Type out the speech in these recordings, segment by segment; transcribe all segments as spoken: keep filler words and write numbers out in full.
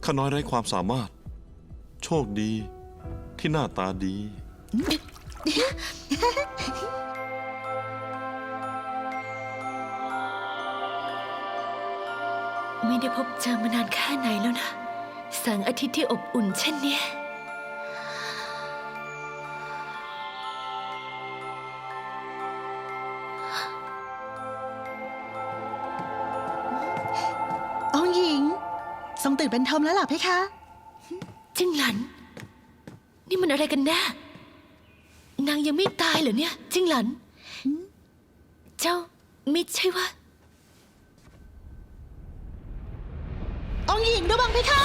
ข้าน้อยไร้ความสามารถโชคดีที่หน้าตาดีไม่ได้พบเจอมานานแค่ไหนแล้วนะแสงอาทิตย์ที่อบอุ่นเช่นเนี้ยองค์หญิงทรงตื่นเป็นทอมแล้วหรอเพคะจิ้งหลัน นี่มันอะไรกันแน่นางยังไม่ตายเหรอเนี่ยจิ้งหลัน เจ้าไม่ใช่ว่าองค์หญิงระวังเพคะ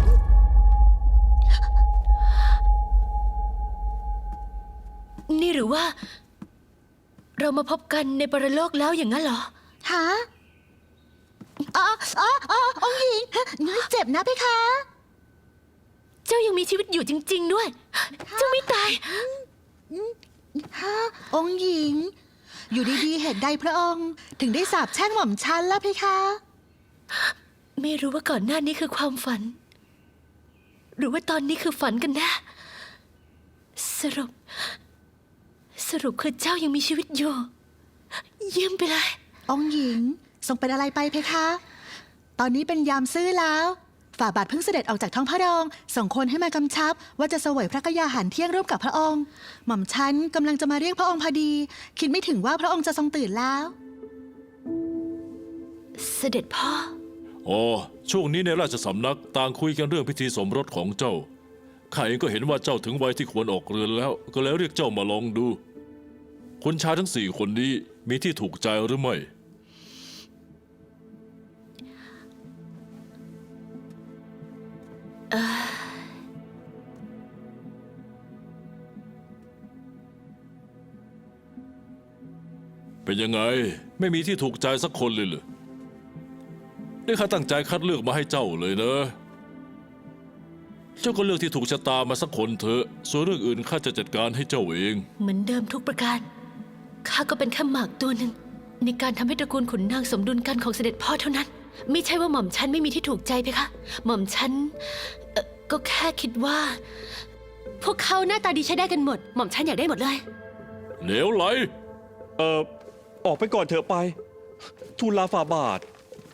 นี่หรือว่า เรามาพบกันในปรโลกแล้วอย่างนั้นเหรอฮะอ๋ออ๋ออ๋อองค์หญิงเจ็บนะเพคะเจ้ายังมีชีวิตอยู่จริง ๆ ด้วย เจ้าไม่ตายฮะองค์หญิง อยู่ดีๆเหตุใดพระองค์ถึงได้สาปแช่งหม่อมฉันล่ะเพคะไม่รู้ว่าก่อนหน้านี้คือความฝัน หรือว่าตอนนี้คือฝันกันแน่สรุป สรุปคือเจ้ายังมีชีวิตอยู่ เยี่ยมไปเลยองค์หญิงทรงเป็นอะไรไปเพคะ ตอนนี้เป็นยามซื่อแล้ว ฝ่าบาทเพิ่งเสด็จออกจากท้องพระโรงส่งคนให้มากำชับ ว่าจะเสวยพระกยาหารเที่ยงร่วมกับพระองค์ หม่อมฉันกำลังจะมาเรียกพระองค์พอดี คิดไม่ถึงว่าพระองค์จะทรงตื่นแล้วเสด็จพ่ออ๋อช่วงนี้ในราชสำนักต่างคุยกันเรื่องพิธีสมรสของเจ้าข้าเองก็เห็นว่าเจ้าถึงวัยที่ควรออกเรือนแล้ว ก็แล้วเรียกเจ้ามาลองดูคนชายทั้งสี่คนนี้มีที่ถูกใจหรือไม่ เป็นยังไงไม่มีที่ถูกใจสักคนเลยเหรอนี่ข้าตั้งใจคัดเลือกมาให้เจ้าเลยนะเจ้าก็เลือกที่ถูกชะตามาสักคนเถอะส่วนเรื่องอื่นข้าจะจัดการให้เจ้าเองเหมือนเดิมทุกประการ ข้าก็เป็นแค่หมากตัวหนึ่งในการทำให้ตระกูลขุนนางสมดุลกันของเสด็จพ่อเท่านั้น ไม่ใช่ว่าหม่อมฉันไม่มีที่ถูกใจเพคะ หม่อมฉันเอ่อก็แค่คิดว่า พวกเขาหน้าตาดีใช้ได้กันหมด หม่อมฉันอยากได้หมดเลยเหลวไหลเอ่อ ออกไปก่อนเถอะไป ทูลลาฝ่าบาท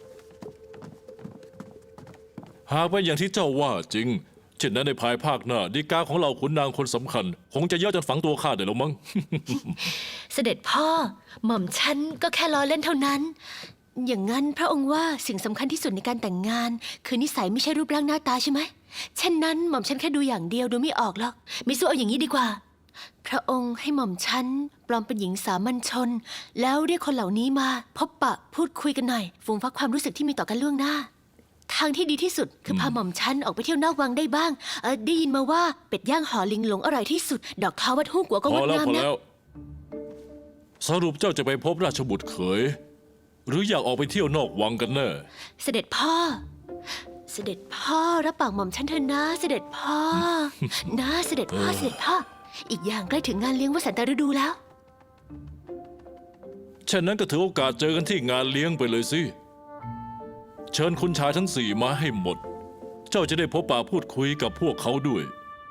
หากเป็นอย่างที่เจ้าว่าจริงเช่นนั้นในภายภาคหน้าดีกาของเราขุนนางคนสำคัญ คงจะเยอะจนฝังตัวข้าได้แล้วมั้งเสด็จพ่อ หม่อมฉันก็แค่ล้อเล่นเท่านั้น อย่างนั้นพระองค์ว่าสิ่งสำคัญที่สุดในการแต่งงาน คือนิสัยไม่ใช่รูปร่างหน้าตาใช่ไหมเช่นนั้นหม่อมฉันแค่ดูอย่างเดียวดูไม่ออกหรอกมิสู้เอาอย่างนี้ดีกว่า พระองค์ให้หม่อมฉันปลอมเป็นหญิงสามัญชน แล้วเรียกคนเหล่านี้มา พบปะพูดคุยกันหน่อยฟูมฟักความรู้สึกที่มีต่อกันล่วงหน้า ทางที่ดีที่สุดคือพาหม่อมฉันออกไปเที่ยวนอกวังได้บ้างเออได้ยินมาว่าเป็ดย่างห่อลิงหลงอร่อยที่สุด ดอกเท้าวัดฮู้กัวก็พงอดแล้วงามพอนะแล้ว สรุปเจ้าจะไปพบราชบุตรเขย หรืออยากออกไปเที่ยวนอกวังกันแน่เสด็จพ่อ เสด็จพ่อรับปากหม่อมฉันเถอะนะ เสด็จพ่อ นะเสด็จพ่อเสด็จพ่อ อีกอย่างใกล้ถึงงานเลี้ยงวสันตฤดูแล้วฉะนั้นก็ถือโอกาสเจอกันที่งานเลี้ยงไปเลยสิ เชิญคุณชายทั้งสี่มาให้หมด เจ้าจะได้พบปะพูดคุยกับพวกเขาด้วย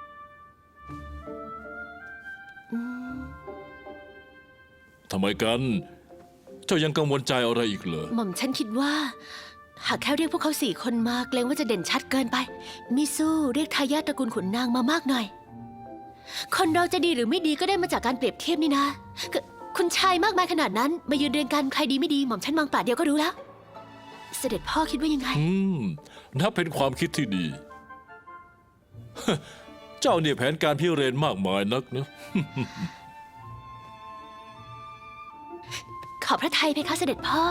ทำไมกัน เจ้ายังกังวลใจอะไรอีกเหรอหม่อมฉันคิดว่า หากแค่เรียกพวกเขาสี่คนมาเกรงว่าจะเด่นชัดเกินไป มิสู้เรียกทายาทตระกูลขุนนางมามากหน่อย คนเราจะดีหรือไม่ดีก็ได้มาจากการเปรียบเทียบนี่นะคือคุณชายมากมายขนาดนั้น มายืนเรียงกันใครดีไม่ดีหม่อมฉันมองปาดเดียวก็รู้แล้ว เสด็จพ่อคิดว่ายังไงอืมนับเป็นความคิดที่ดี เจ้าเนี่ยแผนการพิเรนมากมายนักนะขอบพระทัยเพคะเสด็จพ่อ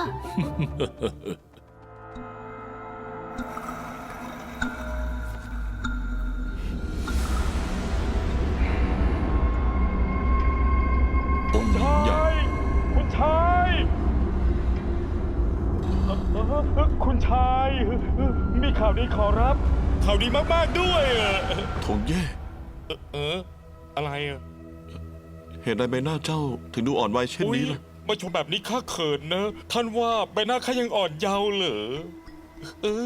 องค์หญิงใหญ่คุณชายเอ่อเอ่อคุณชาย มีข่าวดีขอรับ ข่าวดีมากๆด้วยเออทงเย่เออ อะไรอ่ะเหตุใดใบหน้าเจ้าถึงดูอ่อนวัยเช่นอุ๊ยนี้ล่ะมาชมแบบนี้ข้าเขินนะ ท่านว่าใบหน้าข้ายังอ่อนเยาว์เหรอเออ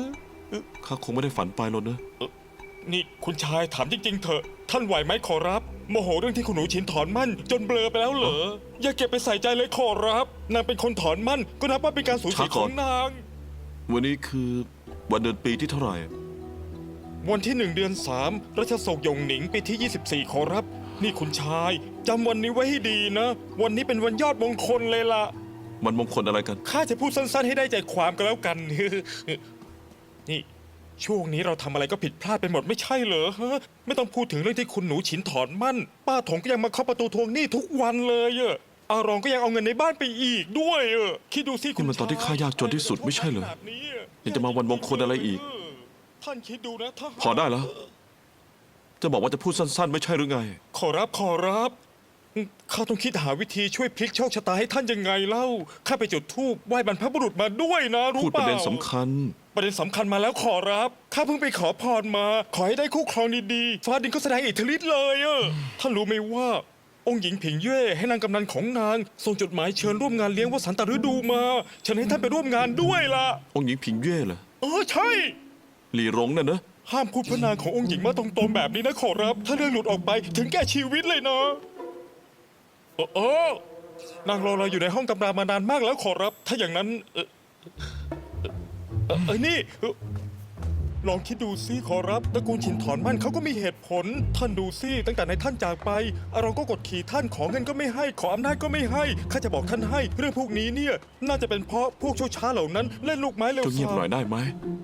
ข้าคงไม่ได้ฝันไปหรอกนะนี่คุณชายถามจริงๆเถอะท่านไหวไหมขอรับโมโหเรื่องที่คุณหนูฉินถอนมั่นจนเบลอไปแล้วเหรออย่าเก็บไปใส่ใจเลยขอรับนางเป็นคนถอนมั่นก็นับว่าเป็นการสูญเสียของนางวันนี้คือวันเดือนปีที่เท่าไหร่วันที่หนึ่งเดือนสามรัชโศกหยงหนิงปีที่ยี่สิบสี่ขอรับ นี่คุณชายจำวันนี้ไว้ให้ดีนะ วันนี้เป็นวันยอดมงคลเลยล่ะมันมงคลอะไรกันข้าจะพูดสั้นๆให้ได้ใจความก็แล้วกัน นี่ช่วงนี้เราทำอะไรก็ผิดพลาดไปหมดไม่ใช่เหรอฮะไม่ต้องพูดถึงเรื่องที่คุณหนูฉินถอนมั่น ป้าถงก็ยังมาเคาะประตูทวงหนี้ทุกวันเลยอะอารองก็ยังเอาเงินในบ้านไปอีกด้วยอะคิดดูสิคุณนี่มันตอนที่ข้ายากจนที่สุดไม่ใช่เหรอแบบนี้อะยังจะมาวันมงคลอะไรอีกท่านคิดดูนะถ้าพอได้แล้ว จะบอกว่าจะพูดสั้นๆ ไม่ใช่หรือไงขอรับขอรับข้าต้องคิดหาวิธีช่วยพลิกโชคชะตาให้ท่านยังไงเล่าข้าไปจุดธูปไหว้บรรพบุรุษมาด้วยนะรู้พูดเปประล่าเด็นสำคัญประเด็นสำคัญมาแล้วขอรับข้าเพิ่งไปขอพรมา ขอให้ได้คู่ครองดีๆฟ้าดินก็แสดงอิทธิฤทธิ์เลยอะท่านรู้ไหมว่า องค์หญิงผิงเย่ให้นางกำนันของนางส่งจดหมายเชิญร่วมงานเลี้ยงวสันตฤดูมาเชิญให้ท่านไปร่วมงานด้วยล่ะองค์หญิงผิงเย่เหรอเออใช่หลี่หลงน่ะนะห้ามพูดพระนางขององค์หญิงมาตรงๆแบบนี้นะขอรับ ถ้าเรื่องหลุดออกไปถึงแก่ชีวิตเลยนะเออเออนางรอเราอยู่ในห้องตำรามานานมากแล้วขอรับ ถ้าอย่างนั้น เออเออเออนี่เออลองคิดดูซิขอรับตระกูลฉินถอนมั่นเขาก็มีเหตุผล ท่านดูซิตั้งแต่ในท่านจากไปอารองก็กดขี่ท่านขอเงินก็ไม่ให้ขออำนาจก็ไม่ให้ข้าจะบอกท่านให้ เรื่องพวกนี้เนี่ย น่าจะเป็นเพราะพวกชั่วช้าเหล่านั้นเล่นลูกไม้เร็วเจ้าเงียบซาหน่อยได้ไหม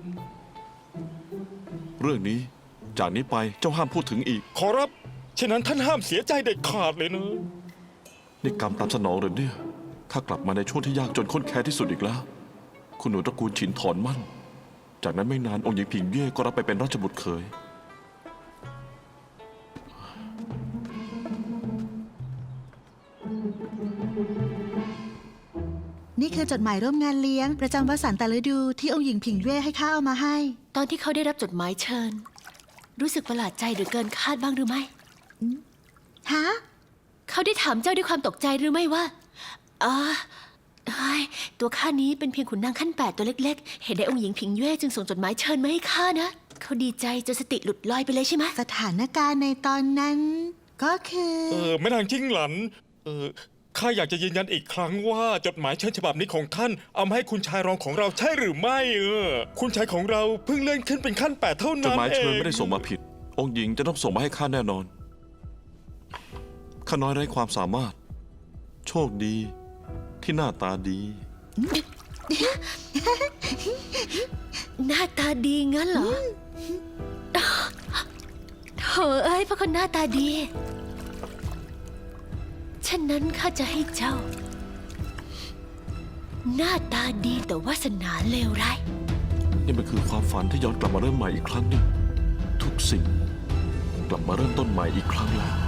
เรื่องนี้จากนี้ไปเจ้าห้ามพูดถึงอีกขอรับฉะนั้นท่านห้ามเสียใจเด็ดขาดเลยนะนี่กรรมตามสนองหรือเนี่ยข้ากลับมาในช่วงที่ยากจนข้นแค้นที่สุดอีกแล้ว คุณหนูตระกูลฉินถอนมั่น จากนั้นไม่นานองค์หญิงผิงเย่ก็รับไปเป็นราชบุตรเขยนี่คือจดหมายร่วมงานเลี้ยง ประจำวสันตฤดูที่องค์หญิงผิงเย่ให้ข้าเอามาให้ตอนที่เขาได้รับจดหมายเชิญ รู้สึกประหลาดใจหรือเกินคาดบ้างหรือไม่ฮะเขาได้ถามเจ้าด้วยความตกใจหรือไม่ว่าอ่าเฮ้ยตัวข้านี้เป็นเพียงขุนนางขั้นแปดตัวเล็กๆ เห็นได้องค์หญิงผิงเย่จึงส่งจดหมายเชิญมาให้ข้านะ เขาดีใจจนสติหลุดลอยไปเลยใช่ไหมสถานการณ์ในตอนนั้น ก็คือเออแม่นางจิ้งหลัน เออข้าอยากจะยืนยันอีกครั้งว่าจดหมายเชิญฉบับนี้ของท่านเอามาให้คุณชายรองของเราใช่หรือไม่เออ คุณชายของเราเพิ่งเลื่อนขึ้นเป็นขั้นแปดเท่าจนั้ดนหมายเอเชิญงไม่ได้ส่งมาผิด องค์หญิงจะต้องส่งมาให้ข้าแน่นอน ข้าน้อยไร้ความสามารถ โชคดีที่หน้าตาดีหน้าตาดีงั้นเหรอโถเอ้ยพระคนหน้าตาดี ฉะนั้นข้าจะให้เจ้า หน้าตาดีแต่วาสนาเลวร้ายนี่มันคือความฝันที่ย้อนกลับมาเริ่มใหม่อีกครั้งหนึ่งทุกสิ่ง กลับมาเริ่มต้นใหม่อีกครั้งแล้ว